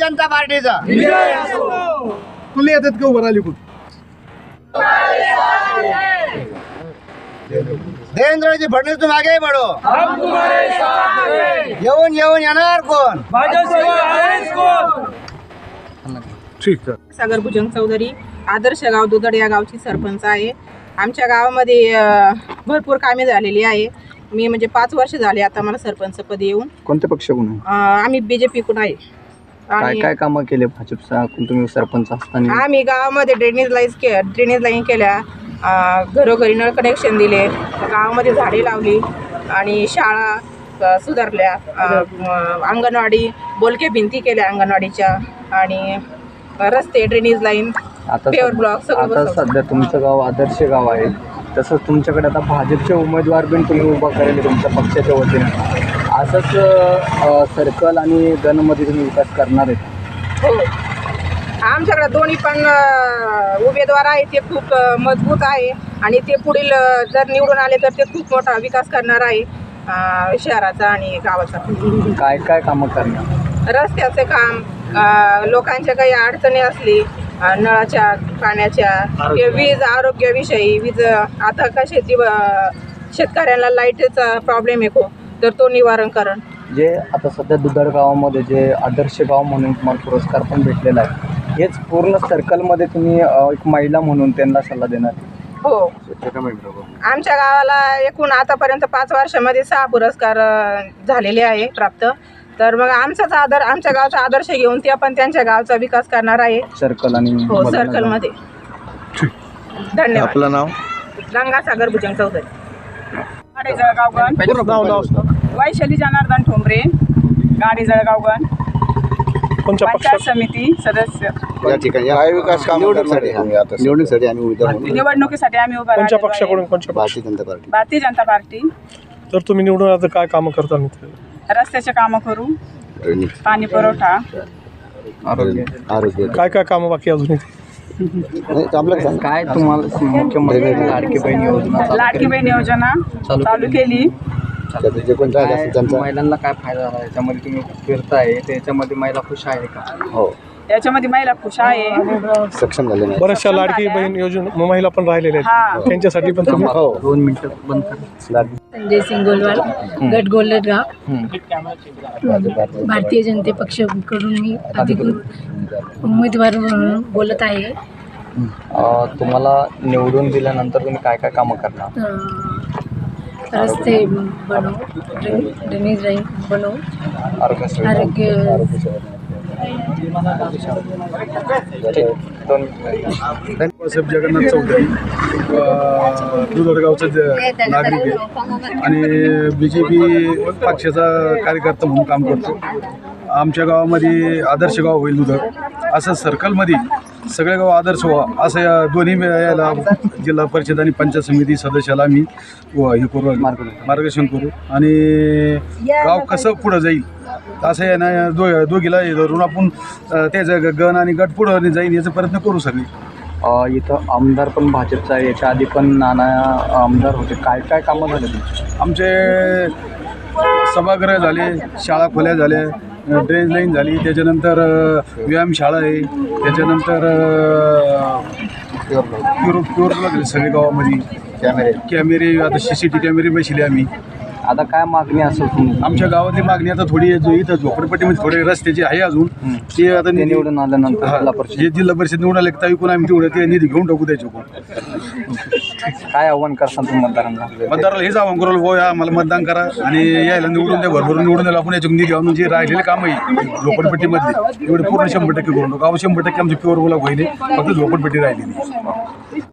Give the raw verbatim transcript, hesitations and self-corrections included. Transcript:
जनता पार्टीचा तुला येतात का उभं राहिली कुठं? देवेंद्रजी फडणवीस तुम आगे बढ़ो, हम तुम्हारे साथ हैं। येऊन येऊन येणार कोण? भाजपशिवाय आहेच कोण? ठीक आहे. सागर भुजंग चौधरी, आदर्श गाव दुधड या गावची सरपंच आहे. आमच्या गावामध्ये अ, भरपूर कामे झालेली आहे. मी म्हणजे पाच वर्ष झाले आता मला सरपंच पद येऊन. कोणत्या पक्षाकडून? अ, आम्ही बीजेपीकडून आहे. काय आणि काय कामं केले भाजपचा तुम्ही सरपंच असताना? आम्ही गावामध्ये ड्रेनेज लाईन के ड्रेनेज लाईन केल्या, अ, घरोघरी नळ कनेक्शन दिले, गावामध्ये झाडे लावली आणि शाळा अ, सुधारल्या, अ, अ, अंगणवाडी बोलके भिंती केल्या अंगणवाडीच्या, आणि रस्ते ड्रेनेज लाईन आता पेवर सध्या- ब्लॉक सगळं आता बसवलं. सध्या तुमचं गाव आदर्श गाव आहे, तसंच तुमच्याकडे आता भाजपचे उमेदवार पण तुम्ही उभा करेल तुमच्या पक्षाच्या वतीने. असंच अ, सर्कल आणि गणमध्ये तुम्ही विकास करणार आहेत? हो, आमच्याकडे दोन्ही पण अ, उमेदवार आहे ते खूप अ, मजबूत आहे आणि ते पुढील अ, जर निवडून आले तर ते खूप मोठा विकास करणार आहे अ, शहराचा आणि गावाचा. काय काय कामं करणार? रस्त्याचे काम, अ, लोकांच्या काही अडचणी असली, अ, नळाच्या पाण्याच्या, किंवा वीज आरोग्याविषयी, वीज आता का शेती अ, शेतकऱ्यांना लाईटचा प्रॉब्लेम आहे खूप, तर तो निवारण करण. जे आता सध्या दुधड गावामध्ये जे आदर्श गाव म्हणून तुम्हाला पुरस्कार पण भेटलेला आहे, हेच पूर्ण सर्कलमध्ये तुम्ही अ, एक महिला म्हणून त्यांना सल्ला देणार? हो, आमच्या गावाला एकूण आतापर्यंत पाच वर्षामध्ये सहा पुरस्कार अ, झालेले आहे प्राप्त. तर मग आमचाच आदर आमच्या गावचा आदर्श घेऊन ते पण त्यांच्या गावचा विकास करणार आहे सर्कल आणि हो सर्कलमध्ये. धन्यवाद. आपलं नाव? गंगा सागर भुजंग चौधरी. गाडी जळगावगण, नाव नाव वैशाली जनार्दन ठोंबरे, गाडी जळगावगण, कोणत्या पंचायत पक्षात? समिती सदस्य. या ठिकाणी काय विकास काम निवडणुकीसाठी निवडणुकीसाठी आम्ही उमेदवार म्हणून निवडणुकीसाठी आम्ही उभा कोणत्या राहिलेलो आहे. पक्षाकडून? कोणत्या पक्ष? भारतीय जनता पार्टी. भारतीय जनता पार्टी. तर तुम्ही निवडून आता काय कामं करता मित्र? रस्त्याचे कामं करू, ड्रेनेज, पाणी पुरवठा, आरोग्य. आरोग्य. काय काय कामं बाकी अजून इथे? नाही, आपलं सांग. काय तुम्हाला मुख्यमंत्री लाडकी बहीण योजना चालू लाडकी केली? बहीण योजना चालू चालू केली. त्याचं जे कोण राहिलं काय असेल त्यांचा महिलांना काय फायदा झाला याच्यामध्ये? तुम्ही फिरताय त्याच्यामध्ये महिला खुश आहे का? हो याच्यामध्ये महिला खुश आहे. सक्षम झाले नाही. बऱ्याचशा लाडकी बहीण योजना महिला पण राहिलेल्या हा. आहेत, त्यांच्यासाठी पण तुम्ही हो दोन मिनिटं बंद करा. संजय सिंग गोलवाल, गट गोलटगाव, भारतीय जनते पक्षाकडून मी अधिकृत उमेदवार म्हणून बोलत आहे. अ, तुम्हाला निवडून दिल्यानंतर तुम्ही काय काय कामं करणार? अ, रस्ते बनव, ड्रेन- ड्रेनेज लाईन बनव, आरोग्य सुविधा? आरोग्य ठीक. दोन साहेब जगन्नाथ चौधरी, दुधडगावचा नागरिक आहे आणि बी जे पी पक्षाचा कार्यकर्ता म्हणून काम करतो. आमच्या गावामध्ये आदर्श गाव होईल दुधड, असं सर्कलमध्ये सगळे गाव आदर्श व्हा असं या दोन्ही याला जिल्हा परिषद आणि पंचायत समिती सदस्याला आम्ही हे करू, मार्गदर्शन करू आणि गाव कसं पुढं जाईल असं आहे ना. दो दोघीला धरून आपण त्याचं गण आणि गट पुढं जाईल याचा प्रयत्न करू सगळे. अ, इथं आमदार पण भाजपचा आहे, याच्या आधी पण नाना आमदार होते. काय काय कामं झाले तुमची? आमचे सभागृह झाले, शाळा खोल्या झाल्या, ड्रेनेज लाईन झाली, त्याच्यानंतर व्यायामशाळा आहे, त्याच्यानंतर प्युर प्युअर लागले सगळे गावामध्ये कॅमेरे कॅमेरे. आता सी सी टी कॅमेरे बसले आम्ही. आता काय मागणी असेल तुम्ही? आमच्या गावातली मागणी आता थोडी जो इथं झोपडपट्टीमध्ये थोडे रस्त्याचे आहे अजून, ते आता ते निधी निवडून आल्यानंतर हा, जिल्हा परिषद जे जिल्हा परिषद निवडून आले तर ऐकून आम्ही तेवढं ते निधी घेऊन टाकू द्यायचो. काय आव्हान करसान तुम्ही मतदारांना? मतदाराला हेच आव्हान करू, हो या मला मतदान करा आणि यायला निवडून द्या, भरभरून निवडून द्यायला आपण याच्यातून निधी आणून जे राहिलेले काम आहे झोपडपट्टीमधले एवढे पूर्ण शंभर टक्के करून टाकू. गाव शंभर टक्के आमचे प्युअर गुलाब होईल, फक्त झोपडपट्टी राहिलेली.